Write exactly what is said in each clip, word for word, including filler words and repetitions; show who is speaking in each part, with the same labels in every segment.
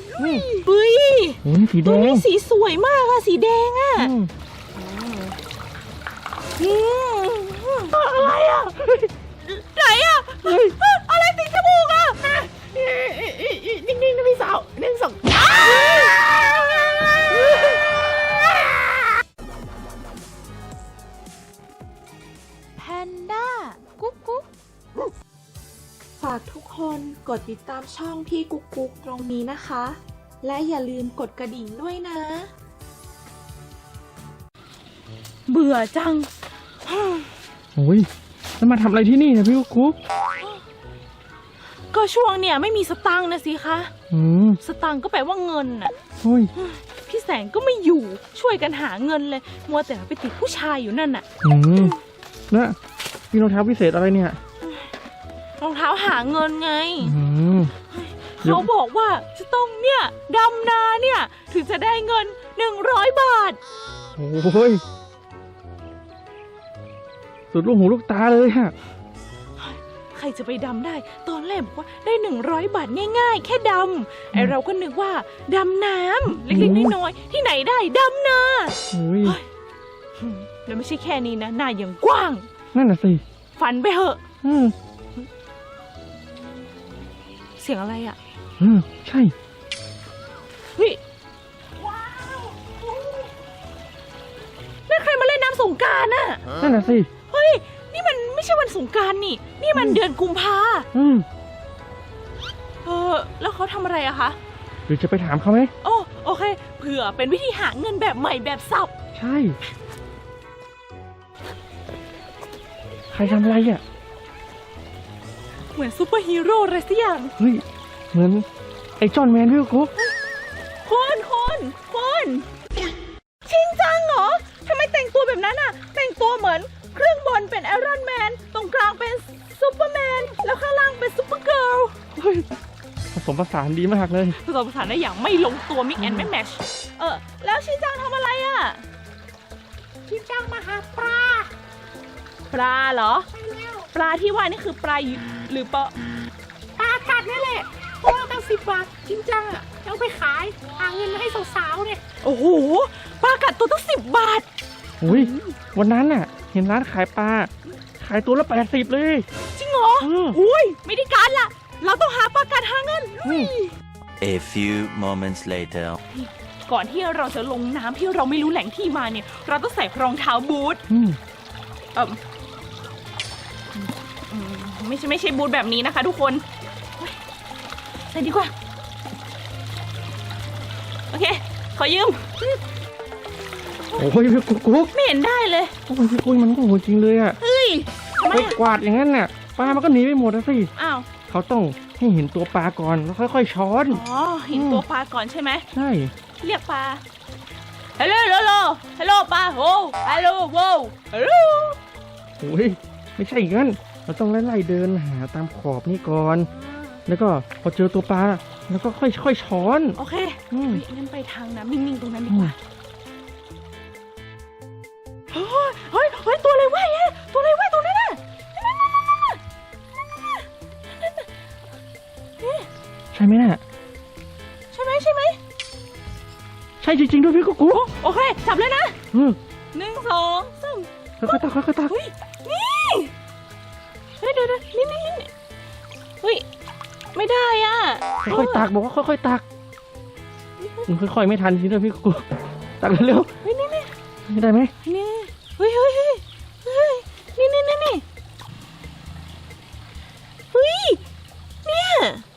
Speaker 1: ปุ้ย
Speaker 2: สีแด
Speaker 1: ตัว
Speaker 2: ง
Speaker 1: นี้สีสวยมากอะสีแดงอะอะไรอะไหนอะอะไรติดจมูกอะนิ่งๆนะพี่สาวหนึ่งสองแพนด้ากุ๊กกุ๊กฝากทุกคนกดติดตามช่องพี่กุ๊กกุ๊กตรงนี้นะคะและอย่าลืมกดกระดิ่งด้วยนะเบื่อจัง
Speaker 2: โอ้ยแล้วมาทำอะไรที่นี่นะพี่กุ๊ก
Speaker 1: ก็ช่วงเนี่ยไม่มีสตังค์นะสิคะ
Speaker 2: อืม
Speaker 1: สตังค์ก็แปลว่าเงินน่ะ
Speaker 2: โอ้ย
Speaker 1: พี่แสงก็ไม่อยู่ช่วยกันหาเงินเลยมัวแต่ไปติดผู้ชายอยู่นั่นน่ะ
Speaker 2: อืมแล้วมีรองเท้าพิเศษอะไรเนี่ย
Speaker 1: รองเท้าหาเงินไง
Speaker 2: อืม
Speaker 1: เขาบอกว่าจะต้องเนี่ยดำนาเนี่ยถึงจะได้เงินหนึ่งร้อยบาท
Speaker 2: โอ้ยสุดลูกหูลูกตาเลยฮะ
Speaker 1: ใครจะไปดำได้ตอนแรกบอกว่าได้หนึ่งร้อยบาทง่ายๆแค่ดำไอเราก็นึกว่าดำน้ำเล็กๆน้อยๆที่ไหนได้ดำนาแล้วไม่ใช่แค่นี้นะหน้ายังกว้าง
Speaker 2: นั่นน่ะสิ
Speaker 1: ฝันไปเหอะ
Speaker 2: อืม
Speaker 1: เสียงอะไรอ่ะ
Speaker 2: อืมใช่
Speaker 1: เฮ้ยว้าวนั่นใครมาเล่นน้ำสงกรานต์น่ะ
Speaker 2: นั่นน่ะสิ
Speaker 1: เฮ้ยนี่มันไม่ใช่วันสงกรานต์นี่นี่มันเดือนกุมภา
Speaker 2: อืม
Speaker 1: เออแล้วเขาทำอะไรอะคะ
Speaker 2: หรือจะไปถามเขาไหม
Speaker 1: โอ้โอเคเผื่อเป็นวิธีหาเงินแบบใหม่แบบสับ
Speaker 2: ใช่ใครทำอะไรอ่ะ
Speaker 1: เหมือนซูเปอร์ฮีโร่อะไรสักอย่าง
Speaker 2: เฮ้ยเหมือนไอ้จอห์นแมนพี่กุ๊ก
Speaker 1: คนคนคนชินจังเหรอทำไมแต่งตัวแบบนั้นอ่ะแต่งตัวเหมือนเครื่องบนเป็นไอรอนแมนตรงกลางเป็นซูเปอร์แมนแล้วข้างล่างเป็นซูเปอร์เกิร์ล
Speaker 2: ผสมผสานดีมากเลย
Speaker 1: ผสมผสานได้อย่างไม่ลงตัวมิกแอนด์ไม่แมชเออแล้วชินจังทำอะไรอ่ะชินจังมาหาปลาปลาเหรอปลาที่ว่านี่คือปลาหรือปลาปลากัดนี่แหละตัวตั้งสิบบาทชินจังอ่ะเอาไปขายหาเงินมาให้สาวๆเนี่ยโอ้โหปลากัดตัวตั้งสิบบาท
Speaker 2: อุ้ยวันนั้นน่ะเห็นร้านขายปลาขายตัวละแปดสิบเลย
Speaker 1: จริงเหรออุ้ยไม่ได้การละเราต้องหาปลากัดหาเงิน
Speaker 3: A few moments later
Speaker 1: ก่อนที่เราจะลงน้ำที่เราไม่รู้แหล่งที่มาเนี่ยเราต้องใส่รองเท้าบูทเออไม่ใช่ไม่ใช่บูทแบบนี้นะคะทุกคนใส่ดีกว่าโอเคขอยืม
Speaker 2: โอ้ยพี่กุ๊ก
Speaker 1: ไม่เห็นได้เลย
Speaker 2: โอ้ยพี่กุ๊กมันก็โหดจริงเลยอ่ะ
Speaker 1: เฮ้ย
Speaker 2: ไปกวาดอย่างนั้นน่ะปลามันก็หนีไปหมดแล้วสิ
Speaker 1: อ้าว
Speaker 2: เขาต้องให้เห็นตัวปลาก่อนแล้วค่อยๆช้อน
Speaker 1: อ๋อเห็นตัวปลาก่อนใช่ไหม
Speaker 2: ใช่
Speaker 1: เรียกปลาฮัลโหลฮัลโหลฮัลโหลปลาโอ้ฮัลโหลโว้ฮัลโหล
Speaker 2: โอ้ยไม่ใช่อย่างนั้นเราต้องไล่ๆเดินหาตามขอบนี่ก่อนแล้วก็พอเจอตัวปลาแล้วก็ค่อยๆช้อน
Speaker 1: โอเคงั้นไปทางน้ำนิ่งๆตรงนั้นดีกว่าเฮ้ยเฮ้ยเฮ้ยตัวอะไรว่ายตัวอะไรว่ายตรงนั้นน่ะ
Speaker 2: ใช่ไหมน่ะ
Speaker 1: ใช่ไหมใช่ไหม
Speaker 2: ใช่จริงๆด้วยพี่กุ๊ก
Speaker 1: โอเคจับเลยนะหนึ่งสองสาม
Speaker 2: ค่อยๆตักค่อยๆตัก
Speaker 1: นี่เฮ้ยเดี๋ยวนี่นี่เฮ้ยไม่ได้อ่ะ
Speaker 2: ค่อยๆตักบอกว่าค่อยๆตักมันค่อยๆไม่ทันจริงด้วยพี่กุ๊กตักเร็ว
Speaker 1: ๆเฮ้ยนี่นี่
Speaker 2: ได้ไหม
Speaker 1: นี่เฮ้ยเฮ้ยเฮ้ยเฮ้ยนี่นี่นี่นี่เฮ้ยเนี่ย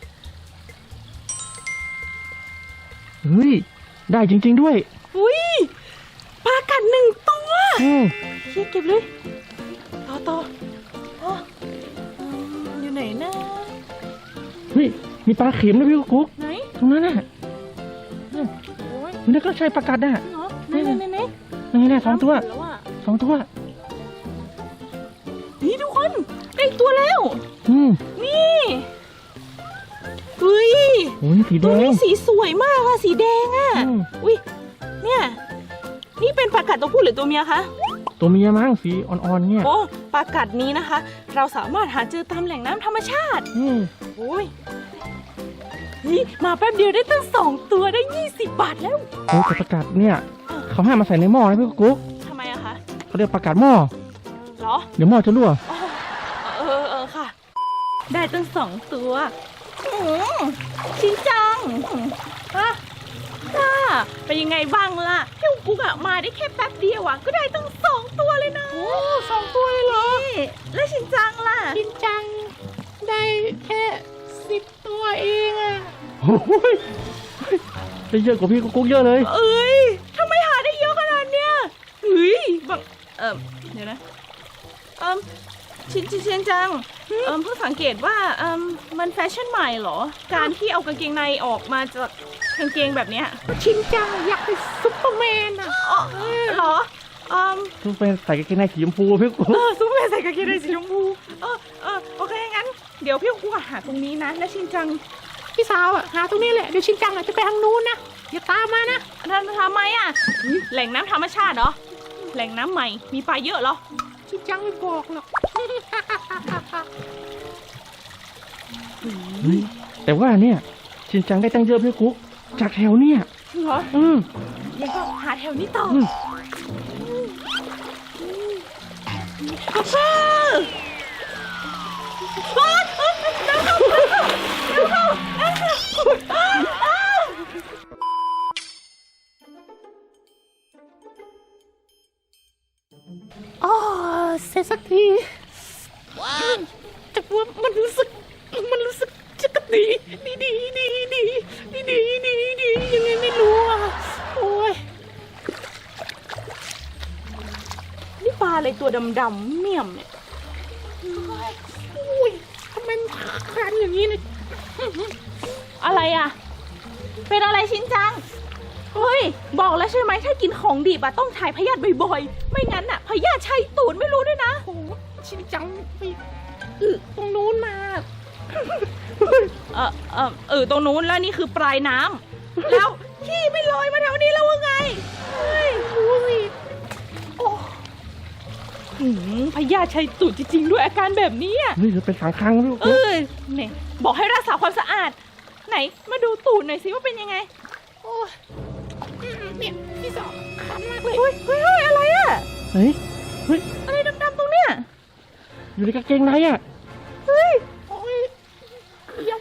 Speaker 2: เฮ้ยได้จริงๆด้วย
Speaker 1: อุ้ยปลากัดหนึ่งตัวเก็บเลยต่อต่ออยู่ไหนนะ
Speaker 2: เฮ้ยมีปลาเข็มด้วยพี่กุ๊ก
Speaker 1: ไหน
Speaker 2: ตรงนั้นน่ะมันก็ใช่ปลากัดน่ะ
Speaker 1: ไหนไหนไหนไหน
Speaker 2: นี่แน่สองตัวสองตัว
Speaker 1: นี่ทุกคนได้ตัวแล้วนี่ อุ้ยตัวนี้สีสวยมากอะสีแดงอะอุ้ยเนี่ยนี่เป็นปลากัดตัวผู้หรือตัวเมียคะ
Speaker 2: ตัวเมียมั้งสีอ่อนๆเนี่ย
Speaker 1: โอ้ปลากัดนี้นะคะเราสามารถหาเจอตามแหล่งน้ำธรรมชาติ
Speaker 2: อืม
Speaker 1: โอ้ยนี่มาแป๊บเดียวได้ตั้งสองตัวได้ยี่สิบบาทแล้ว
Speaker 2: โอ้ยแต่ประกาศเนี่ยเขาห้ามมาใส่ในหม้อนะพี่กุ๊ก
Speaker 1: ทำไมอะคะ
Speaker 2: เขาเรียกประกาศหม้อ
Speaker 1: เหรอ
Speaker 2: เดี๋ยวหม้อจะรั่ว
Speaker 1: อ๋อเออเออค่ะ ได้ตั้งสองตัวอืมชินจังฮะค่ะเป็นยังไงบ้างล่ะพี่กุ๊กอะมาได้แค่แป๊บเดียวอะก็ได้ตั้งสองตัวเลยนะ โอ้สองตัวเลยเหรอแล้วชินจังล่ะ
Speaker 4: จริงจังได้แค่สิบตัวเองอะ
Speaker 2: โอ้ยได้เยอะกว่าพี่กุ๊กเยอะเลย
Speaker 1: เอ้ยทำไมหาได้เยอะขนาดเนี้ยเฮ้ยบังเอิมเดี๋ยวนะเอิมชินชินชินจังเอิมเพิ่งสังเกตว่าเอิมมันแฟชั่นใหม่เหรอ การที่เอากางเกงในออกมาจากกางเกงแบบเนี้ย
Speaker 4: ชินจังอยากเป็นซุปเปอร์แมนอะ
Speaker 1: อ๋อเหรอเอิม
Speaker 2: ทุกเป็นใส่กางเกงในสีชมพูพี่กุ๊ก
Speaker 1: เออซุปเปอร์แมนใส่กางเกงในสีชมพูเออเออโอเคงั้นเดี๋ยวพี่กูหาตรงนี้นะ แล้วชินจัง
Speaker 4: พี่สาวอะหาตรงนี้แหละเดี๋ยวชินจังอาจจะไปทางนู้นนะอย่าตามมานะ
Speaker 1: ท่านทำไมอ่ะแหล่งน้ำธรรมชาติเหรอแหล่งน้ำใหม่มีปลาเยอะเหรอ
Speaker 4: ชินจังไม่บอกหรอก
Speaker 2: เฮ้ยแต่ว่าเนี่ยชินจังได้ตั้งเยอะพี่กุ๊กจากแถวเนี่ย
Speaker 1: เหรอ
Speaker 2: อืม
Speaker 1: ยังก็หาแถวนี้ต่อ
Speaker 2: อืม
Speaker 1: กาแฟว้าวน้ำเข้าน้ำเข้าน้ำเข้าอ้าวอ้าว
Speaker 4: อ๋อเสร็จสักทีแต่ว่ามันรู้สึกมันรู้สึกจะกระดีดีดีดีดีดีดีดีดียังไงไม่รู้อ่ะโอ้ย
Speaker 1: นี่ปลาอะไรตัวดำๆเมี่ยมเนี่ย
Speaker 4: อุ้ยทำไมมันคันอย่างนี้เนี่ย
Speaker 1: อะไรอ่ะ เป็นอะไรชินจัง เฮ้ย บอกแล้วใช่ไหมถ้ากินของดิบอะต้องถ่ายพยาธิบ่อยๆ ไม่งั้นอะพยาธิชัยตูดไม่รู้ด้วยนะ
Speaker 4: โอ้โหชินจังไปอึตรงนู้นมา
Speaker 1: เออเออเออตรงนู้นแล้วนี่คือปลายน้ำ แล้วขี้ไม่ลอยมาแถวนี้แล้วว่าไง เฮ้ยดูสิโอ้หืมพยาธิชัยตูดจริงๆด้วยอาการแบบนี้อะ
Speaker 2: เฮ้ยเป็นสังคังพี่
Speaker 1: เอ
Speaker 2: กุ๊ก
Speaker 1: อเนี่ยบอกให้รักษาความสะอาด ไหนมาดูตูดหน่อยสิว่าเป็นยังไง
Speaker 4: โอ้ยอืมเนี่ยพี่สาวคันมากเลย
Speaker 1: เฮ้ยเฮ้ยเฮ้ยอะไรอะ
Speaker 2: เฮ้ยเฮ้ย
Speaker 1: อะไรดำๆตรงเนี้ย
Speaker 2: อยู่ในกางเกงในอ่ะ
Speaker 1: เฮ้ย
Speaker 4: โอ้ยยัง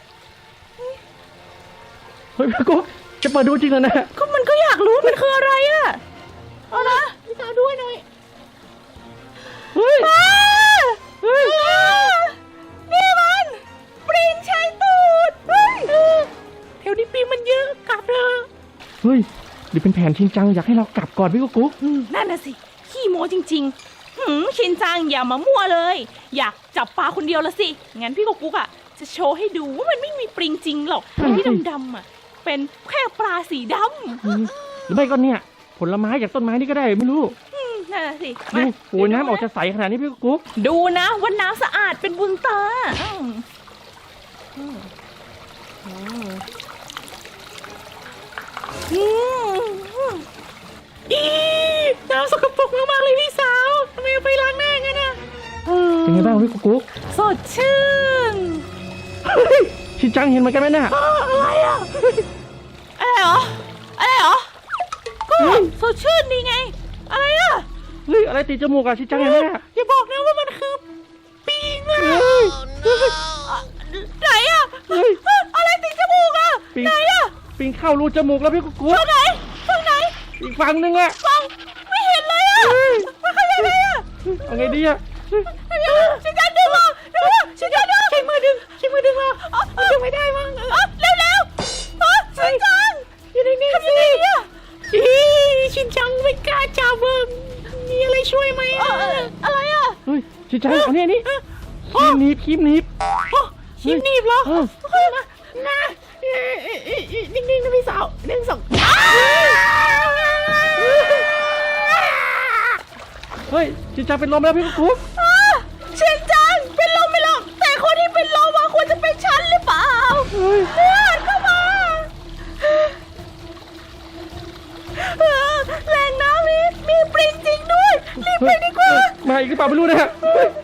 Speaker 2: เฮ้ยพี่กุ๊กจะเปิดดูจริงเหรอเนี่ย
Speaker 1: ก็มันก็อยากรู้มันคืออะไรอะเอานะ
Speaker 4: พี่สาวด้วยหน่อย
Speaker 2: เฮ้ย
Speaker 1: ป้าเฮ้ยนี่มันปริงชายตูดเฮ้ย
Speaker 4: แถวนี้ปีมันเยอะกลับเถอะ
Speaker 2: เฮ้ยหรือเป็นแผนชินจังอยากให้เรากลับก่อนพี่กุ๊ก
Speaker 1: อืมนั่นน่ะสิขี้โม้จริงๆหืมชินจังอย่ามามั่วเลย อยากจับปลาคนเดียวละสิงั้นพี่กุ๊กกุ๊กอะจะโชว์ให้ดูว่ามันไม่มีปริงจริงหรอกไอ้ที่ดำๆอะเป็นแค่ปลาสีด
Speaker 2: อืมหรือไม่ก็เนี่ยผลไม้จากต้นไม้นี่ก็ได้ไม่รู้
Speaker 1: ำอืมนั่นน่ะสิ
Speaker 2: ดู
Speaker 1: มา
Speaker 2: โอ้ยน้ำออกจะใสขนาดนี้พี่กุ๊ก
Speaker 1: ดูนะว่าน้ำสะอาดเป็นบุญตาอืมอืมอืมอืม
Speaker 4: อีน้ำสกปรกมากๆเลยพี่สาวทำไมเอาไปล้างหน้างั้นน่ะ
Speaker 2: เป็นไงบ้างพี่กุ๊ก
Speaker 1: สดชื่น
Speaker 2: เฮ้ยชินจังเห็นเหมือนกันไหมเนี่ย
Speaker 1: อะไรอ่ะ อะไรเหรอ อะไรเหรอ ก็สดชื่นดีไง อะไรอ่ะ
Speaker 2: เฮ้ยอะไรติดจมูกอะชินจังเห็นไหมเนี่ย
Speaker 4: อย่าบอกนะว่ามันคือปีงอะ
Speaker 2: เฮ้ย
Speaker 1: ไหนอ่ะ
Speaker 2: เฮ้ย
Speaker 1: อะไรติดจมูกอ่ะ
Speaker 2: ปิง
Speaker 1: ไหนอ่ะ
Speaker 2: ปิงเข้ารูจมูกแล้วพี่กุ๊ก
Speaker 1: ตรงไหนตรงไหน
Speaker 2: อีกฝั่งหนึงอะ
Speaker 1: ฟังไม่เห็นเลยอ่ะมันขยับไงอ่ะ
Speaker 2: เอาไงดีอะ
Speaker 1: ฉันจะดึงอ่ะดึงอ่ะฉันจะดึงใช้มือดึงใช้มือดึงอ่ะดึงไม่ได้มั้งเร็วเร็วๆฉันจัง
Speaker 4: อยู่ในนี้สิอีชินจังไม่กล้าจับเบิ้งมีอะไรช่วยไหม
Speaker 1: เอ
Speaker 4: อะ
Speaker 1: อเอออะไรอ่ะ
Speaker 2: เฮ้ยชินจังเอาเนี่ยนี่คีบหนีบคีบหนีบ
Speaker 4: ชิมหนีบเหรอ
Speaker 2: เออ
Speaker 4: เฮ้ยมานะเอ่อเอ่อเอ่อเอ่อนิ่งๆนะพี่สาวหนึ่งสอง
Speaker 2: เฮ้ยชินจังเป็นลมแล้วพี่กุ๊ก
Speaker 1: ชินจังเป็นลมไม่หรอกแต่คนที่เป็นลมอ่ะควรจะเป็นฉันหรือเปล่า
Speaker 2: เฮ้ย
Speaker 1: เลือดเข้ามาเออแหล่งน้ำนี้มีปริงจริงด้วยรีบไปดีกว่า
Speaker 2: มาอีกหรือเปล่าไม่รู้นะฮะเฮ้ย